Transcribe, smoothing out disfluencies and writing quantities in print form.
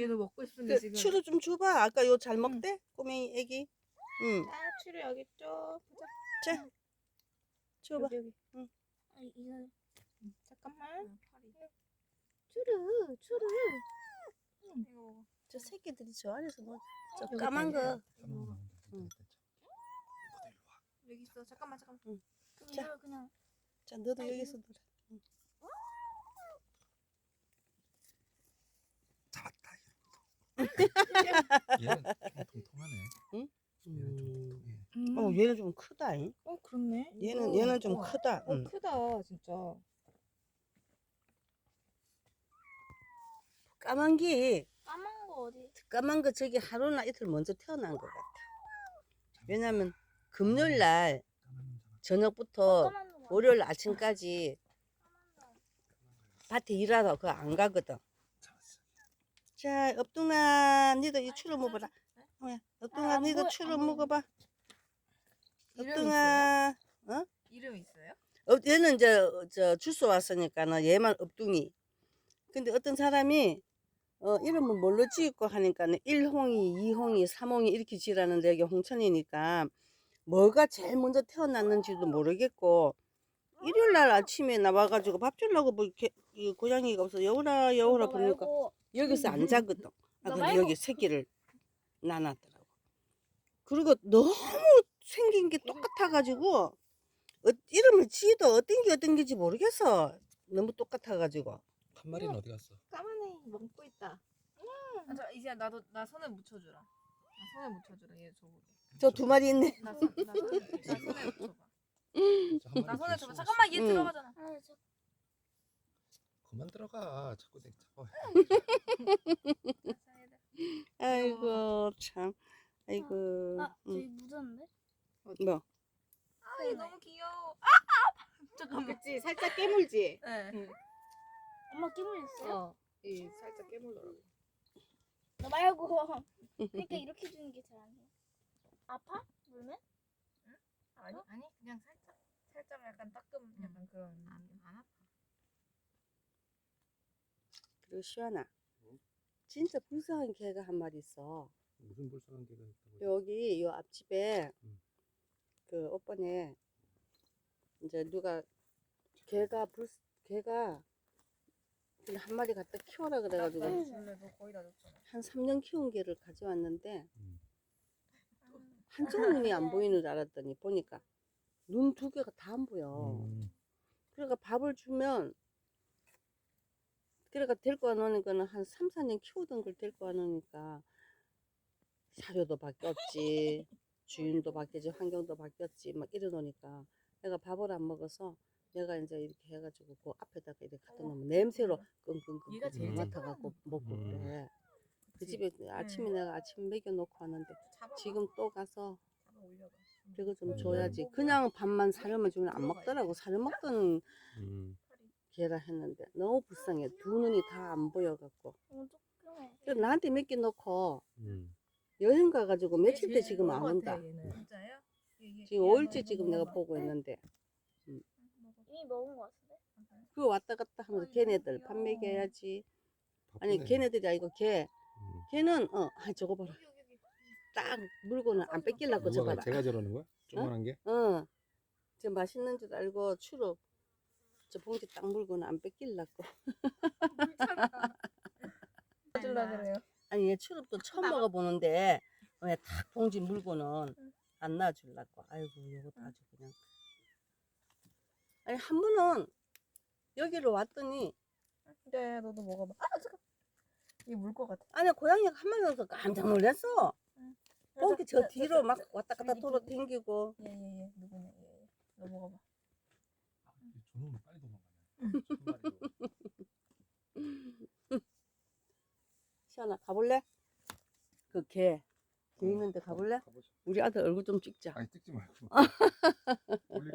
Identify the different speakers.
Speaker 1: 얘도 먹고 싶은데 지금.
Speaker 2: 추루 좀 줘봐. 아까 요 잘 먹대? 꼬맹이 애기. 응.
Speaker 1: 아, 추루 여기 있죠. 보자.
Speaker 2: 자, 줘봐.
Speaker 1: 여기.
Speaker 2: 응.
Speaker 3: 아, 이거
Speaker 1: 잠깐만.
Speaker 3: 추르.
Speaker 1: 이거 먹어.
Speaker 2: 저 새끼들이 저 안에서 뭐, 저
Speaker 1: 여기
Speaker 2: 까만
Speaker 1: 있다,
Speaker 2: 거.
Speaker 1: 응. 여기 있어. 잠깐만.
Speaker 2: 자.
Speaker 3: 이거 그냥
Speaker 2: 자, 너도 여기서 놀아.
Speaker 4: 잡았다. 얘는 좀 통통하네.
Speaker 2: 응?
Speaker 4: 얘는 좀 통통해.
Speaker 2: 얘는 좀 크다. 잉?
Speaker 1: 그렇네.
Speaker 2: 얘는 좀 크다. 응.
Speaker 1: 크다, 진짜.
Speaker 2: 까만 게,
Speaker 3: 까만 거 어디?
Speaker 2: 까만 거 저기 하루나 이틀 먼저 태어난 것 같아. 왜냐면 금요일 날 저녁부터
Speaker 3: 까만 거.
Speaker 2: 월요일 아침까지 밭에 일하러 그거 안 가거든.
Speaker 4: 잡았어.
Speaker 2: 자, 업둥아, 니도 이 추루 먹어라. 업둥아,
Speaker 3: 안
Speaker 2: 니도
Speaker 3: 보여,
Speaker 2: 추루
Speaker 3: 안 보여.
Speaker 2: 먹어봐.
Speaker 1: 이름이
Speaker 2: 업둥아.
Speaker 1: 이름 있어요?
Speaker 2: 얘는 이제 저 주소 왔으니까는 얘만 업둥이. 근데 어떤 사람이 이름을 뭘로 지을까 하니까는 1홍이, 2홍이, 3홍이 이렇게 지라는데 여기 홍천이니까 뭐가 제일 먼저 태어났는지도 모르겠고 일요일 날 아침에 나와가지고 밥 주려고 뭐 이렇게 이 고양이가 없어 여우라
Speaker 3: 너
Speaker 2: 부르니까
Speaker 3: 말고
Speaker 2: 여기서 안 자거든.
Speaker 3: 너
Speaker 2: 근데
Speaker 3: 말고.
Speaker 2: 여기 새끼를 낳았더라고. 그리고 너무 생긴 게 똑같아가지고 이름을 지어도 어떤 게지 모르겠어. 너무 똑같아가지고.
Speaker 4: 한 마리는 어디 갔어?
Speaker 1: 까만해. 먹고 있다. 이제 나 손에 묻혀주라. 나 손에 묻혀주라. 얘 저거.
Speaker 2: 저 두 마리 있네.
Speaker 1: 나 손에 묻혀봐.
Speaker 4: 한
Speaker 1: 나
Speaker 4: 마리
Speaker 1: 손에
Speaker 4: 줄
Speaker 1: 줘봐.
Speaker 4: 수가
Speaker 1: 잠깐만, 얘
Speaker 2: 응.
Speaker 1: 들어가잖아.
Speaker 3: 아, 저
Speaker 4: 그만 들어가. 자꾸 내 잡아.
Speaker 2: 아이고 참. 아이고.
Speaker 3: 저기 묻었는데?
Speaker 2: 뭐?
Speaker 1: 아, 얘 너무 귀여워. 잠깐만.
Speaker 5: 그치 살짝 깨물지.
Speaker 1: 네.
Speaker 3: 엄마 끼물 있어요?
Speaker 5: 이 살짝 깨물더라고.
Speaker 3: 너 말고. 그러니까 이렇게 주는 게 잘 안 돼. 아파? 물면?
Speaker 1: 아니, 그냥 살짝 약간 따끔 약간 그런. 안 아파.
Speaker 2: 그리고 시원아.
Speaker 4: 응?
Speaker 2: 진짜 불쌍한 개가 한 마리 있어.
Speaker 4: 무슨 불쌍한 개가 있다고?
Speaker 2: 여기 요 앞집에
Speaker 4: 응.
Speaker 2: 그 오빠네 이제 누가 개가 그냥 한 마리 갖다 키워라 그래가지고
Speaker 1: 나 줄래? 너 거의 다 줬잖아.
Speaker 2: 한 3년 키운 개를 가져왔는데
Speaker 4: 응.
Speaker 2: 한쪽 눈이 안 보이는 줄 알았더니 보니까 눈 두 개가 다 안 보여. 그러니까 밥을 주면 그러니까 데리고 안 오니까는 한 3, 4년 키우던 걸 데리고 안 오니까 사료도 바뀌었지 주인도 바뀌었지 환경도 바뀌었지 막 이러노니까 내가 밥을 안 먹어서 내가 이제 이렇게 해가지고 그 앞에다가 이렇게 갖다 놓으면 냄새로 끙끙끙
Speaker 1: 얘가 제일
Speaker 2: 맡아갖고 먹고 그래. 그 집에 아침에
Speaker 1: 응.
Speaker 2: 내가 아침 먹여놓고 왔는데 지금 또 가서
Speaker 1: 잡아 올려봐.
Speaker 2: 그거 좀 줘야지. 그냥 밥만 사료만 주면 안 먹더라고. 사료 먹던 개라 했는데 너무 불쌍해. 두 눈이 다 안 보여갖고.
Speaker 3: 조금해.
Speaker 2: 그래서 나한테 몇 개 넣고
Speaker 4: 응.
Speaker 2: 여행 가가지고 며칠 때 지금 안
Speaker 1: 먹은 것
Speaker 2: 온다.
Speaker 1: 같아, 얘는. 진짜요?
Speaker 2: 지금 5일째 지금 내가 보고 있는데
Speaker 3: 이미 먹은 거 같은데?
Speaker 2: 그거 왔다 갔다 하면서 걔네들 밥 먹여야지. 아니
Speaker 4: 바쁘네.
Speaker 2: 걔네들이 아니고
Speaker 4: 응.
Speaker 2: 걔는 저거 봐라. 딱 물고는 안 뺏기려고 저
Speaker 4: 누가
Speaker 2: 봐라.
Speaker 4: 제가 저러는 거야? 조그만한 게?
Speaker 2: 저 맛있는 줄 알고 추로 저 봉지 딱 물고는 안 뺏기려고.
Speaker 1: 줄라 그래요.
Speaker 2: 아니 얘 추럽도 처음 먹어보는데 왜 탁 봉지 물고는 안 놔주려고. 아이고 이것도 아주 그냥. 아니 한 번은 여기로 왔더니
Speaker 1: 네, 너도 먹어봐. 아, 잠깐. 이게 물 것 같아.
Speaker 2: 아니 고양이가 한 마리 와서 깜짝 놀랐어. 봉지 저 뒤로 막 왔다 갔다 돌아 댕기고.
Speaker 1: 얘 누구냐? 얘. 너 먹어봐.
Speaker 4: 저놈은 빨리 도망가네.
Speaker 2: 시원아 가볼래? 그 개 있는데 가볼래?
Speaker 4: 가보자.
Speaker 2: 우리 아들 얼굴 좀 찍자.
Speaker 4: 아니 찍지 말고.